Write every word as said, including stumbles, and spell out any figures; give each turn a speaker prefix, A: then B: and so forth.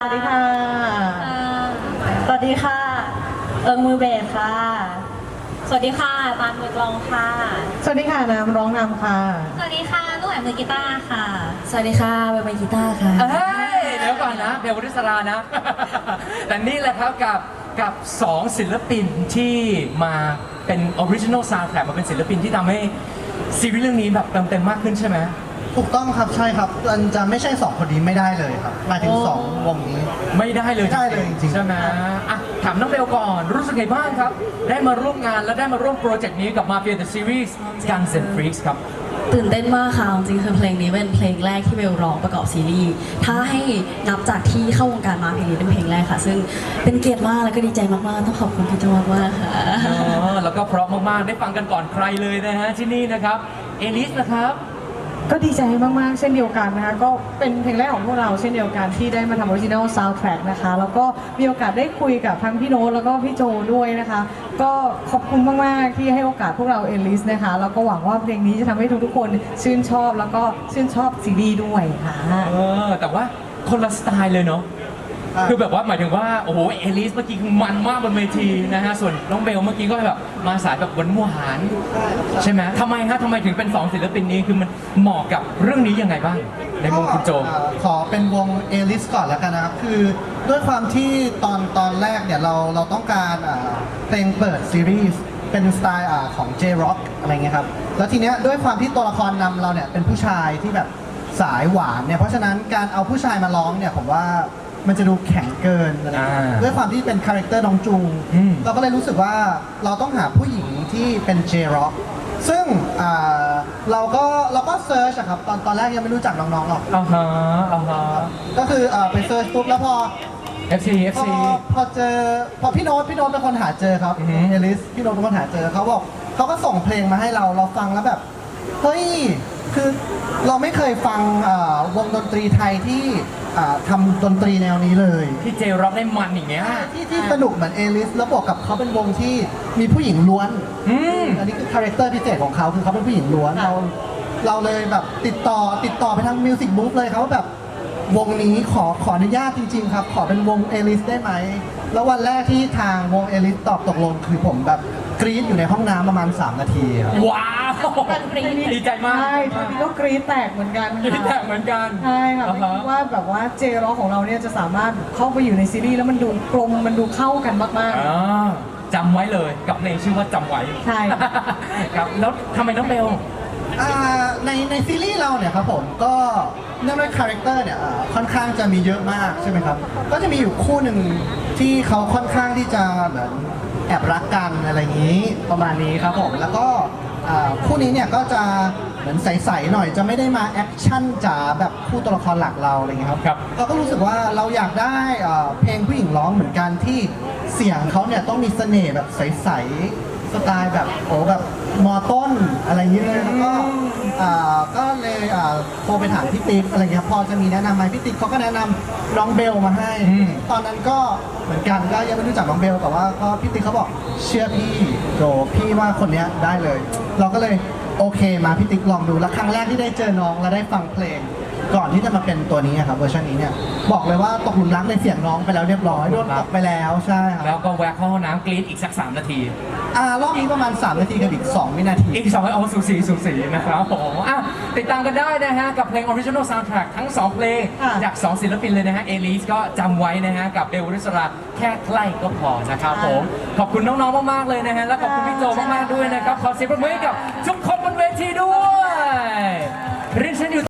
A: สวัสดีค่ะ สวัสดีค่ะ เอิงมือเบสค่ะ
B: สวัสดีค่ะตาลมือกลองค่ะ
A: สวัสดีค่ะน้ำร้องนำค่ะ
B: สวัสดีค่ะลูกแอมมือกีตาร์ค่ะ
C: สวัสดีค่ะเบลเป็นกีตาร์ค่ะ
D: เฮ้ยเดี๋ยวก่อนนะเบลวริศรานะ แต่นี่แหละครับกับกับสองศิลปินที่มาเป็นออริจินอลซาวด์แทร็กมาเป็นศิลปินที่ทำให้ซีรีส์เรื่องนี้แบบเติมเต็มมากขึ้นใช่ไหม
E: ถูกต้องครับใช่ครับมันจะไม่ใช่สองคนนี้ไม่ได้เลยครับหมายถึงสองวงนี้
D: ไม่ได้เลย
E: ไม่ได้เลยจริงๆ
D: ใช่ไหมอ่ะถามน้องเบลก่อนรู้สึกไงบ้างครับ ได้มาร่วมงานและได้มาร่วมโปรเจกต์นี้กับ Mafia The Series Guns and Freaks ครับ
C: ตื่นเต้นมากค่ะจริงๆคือเพลงนี้เป็นเพลงแรกที่เบลร้องประกอบซีรีส์ถ้าให้นับจากที่เข้าวงการมาเพลงนี้เป็นเพลงแรกค่ะ ซึ่งเป็นเกียรติมากแล้วก็ดีใจมากๆต้องขอบคุณพี่โจมากๆค่ะ
D: อ๋อแล้วก็เพราะมากๆ ได้ฟังกันก่อนใครเลยนะฮะที่นี่นะครับ เอลิสนะครับ
A: ก็ดีใจมากๆ เช่นเดียวกันนะคะ ก็เป็นเพลงแรกของพวกเราเช่นเดียวกันที่ได้มาทำออริจินัลซาวด์แทร็กนะคะ แล้วก็มีโอกาสได้คุยกับทั้งพี่โน้ตแล้วก็พี่โจด้วยนะคะ ก็ขอบคุณมากๆที่ให้โอกาสพวกเราเอลิสนะคะ แล้วก็หวังว่าเพลงนี้จะทำให้ทุกๆคนชื่นชอบแล้วก็ชื่นชอบซีรีส์ด้วยค่ะ
D: เออแต่ว่าคนละสไตล์เลยเนาะ
E: อ่า
D: คือแบบว่าหมายถึงว่าโอ้โหเอลิสเมื่อกี้คือมันมากบนเวทีนะฮะส่วนน้องเบลเมื่อกี้ก็แบบมาสายแบบหวานหวานๆใช่ไหมทำไมฮะทำไมถึงเป็นสองศิลปินนี้คือมันเหมาะกับเรื่องนี้ยังไงบ้างในมุมคุณโจ
E: ก็เอ่อขอเป็นวงเอลิสก่อนแล้วกันนะครับ คือด้วยความที่ตอนตอนแรกเนี่ยเราเราต้องการอ่าเพลงเปิดซีรีส์เป็นสไตล์อ่าของ J-Rock อะไรเงี้ยครับ แล้วทีเนี้ยด้วยความที่ตัวละครนำเราเนี่ยเป็นผู้ชายที่แบบสายหวานเนี่ย เพราะฉะนั้นการเอาผู้ชายมาร้องเนี่ยผมว่ามันจะดูแข็งเกินอะไรเงี้ย
D: อ่า
E: ด้วยความที่เป็นคาแรคเตอร์น้องจูง
D: อืม
E: เราก็เลยรู้สึกว่าเราต้องหาผู้หญิงที่เป็น J-Rock ซึ่งอ่าเราก็เราก็เซิร์ชอะครับตอนตอนแรกยังไม่รู้จักน้องๆหรอก
D: อ่าฮะอ่าฮะ
E: ก็คือเอ่อไปเซิร์ชปุ๊บแล้วพอ
D: เอฟ ซี เอฟ
E: พอ
D: ซี
E: พอเจอพอพี่โน้ตพี่โน้ตเป็นคนหาเจอครับ
D: อือฮึ
E: เอลิสพี่โน้ตเป็นคนหาเจอเขาบอกเขาก็ส่งเพลงมาให้เราเราฟังแล้วแบบเฮ้ยคือเราไม่เคยฟังอ่าวงดนตรีไทยที่อ่าทำดนตรีแนวนี้เลย
D: ที่เจร็อกได้มันอย่างเงี้ย
E: ที่ที่สนุกเหมือนเอลิสแล้วบวกกับเขาเป็นวงที่มีผู้หญิงล้วน
D: อืม
E: อันนี้คือคาแรคเตอร์พิเศษของเขาคือเขาเป็นผู้หญิงล้วนเราเราเลยแบบติดต่อติดต่อไปทางมิวสิกบุ๊กเลยครับว่าแบบวงนี้ขอขออนุญาตจริง ๆ ครับ ขอเป็นวงเอลิสได้ไหม แล้ววันแรกที่ทางวงเอลิสตอบตกลงคือผมแบบกรี๊ดอยู่ในห้องน้ำประมาณ สาม นาทีครับ
D: ว้าวดีใจมาก
A: ใช่ตอนนี้ก็กรี๊ดแตกเหมือนกัน
D: ดีแต
A: ค่ะ
D: กเหมือนกัน
A: ใช่ค่ะ
D: อ่า
A: ไม่
D: ฮะ
A: คิดว่าแบบว่าเจร็อกของเราเนี่ยจะสามารถเข้าไปอยู่ในซีรีส์แล้วมันดูกลมมันดูเข้ากันมาก
D: อ่าจำไว้เลยกับเพลงชื่อว่าจำไว้
A: ใช่
D: ครับแล้วทำไมน้องเบล
E: อ่าในในซีรีส์เราเนี่ยครับผมก็เนื่องด้วยคาแรคเตอร์เนี่ยอ่าค่อนข้างจะมีเยอะมากใช่ไหมครับ ก็จะมีอยู่คู่หนึ่งที่เขาค่อนข้างที่จะเหมือนแอบรักกันอะไรอย่างนี้ประมาณนี้ครับผมแล้วก็อ่าคู่นี้เนี่ยก็จะเหมือนใสๆหน่อยจะไม่ได้มาแอคชั่นจ๋าแบบคู่ตัวละครหลักเราอะไรอย่างเงี้ยครับ
D: ครับ
E: เราก็รู้สึกว่าเราอยากได้อ่าเพลงผู้หญิงร้องเหมือนกันที่เสียงเขาเนี่ยต้องมีเสน่ห์แบบใสๆสไตล์แบบโอ้แบบมอต้นอะไรอย่างนี้เลยแล้วก็ อ่าก็เลยอ่าโทรไปถามพี่ติ๊กอะไรเงี้ยพอจะมีแนะนำไหมพี่ติ๊กเขาก็แนะนำน้องเบลมาให้
D: อืม
E: ตอนนั้นก็เหมือนกันก็ยังไม่รู้จักน้องเบลแต่ว่าก็พี่ติ๊กเขาบอกเชื่อพี่โดพี่ว่าคนเนี้ยได้เลย เราก็เลยโอเคมาพี่ติ๊กลองดูแล้วครั้งแรกที่ได้เจอน้องและได้ฟังเพลง ก่อนที่จะมาเป็นตัวนี้อะครับเวอร์ชันนี้เนี่ยบอกเลยว่าตกหลุมรักในเสียงน้องไปแล้วเรียบร้อยโดนตกไปแล้วใช่ครับ
D: แล้วก็แวะเข้าห้องน้ำกรี๊ดอีกสักสามนาที
E: อ่ารอบนี้ประมาณสามนาทีกับอีกสองวินาที
D: อีกสองเอาสูสีสูสีนะครับผมอ่ะติดตามกันได้นะฮะ กับเพลง Original Soundtrack ทั้งสองเพลง
A: ค่ะ
D: จากสองศิลปินเลยนะฮะ เอลิสก็จำไว้นะฮะ กับเบลวริศราแค่ใกล้ก็พอนะครับผม ขอบคุณน้องๆ มากๆ เลยนะฮะ และขอบคุณพี่โจมากๆ ด้วยนะครับ ขอเสียงปรบมือให้กับทุกค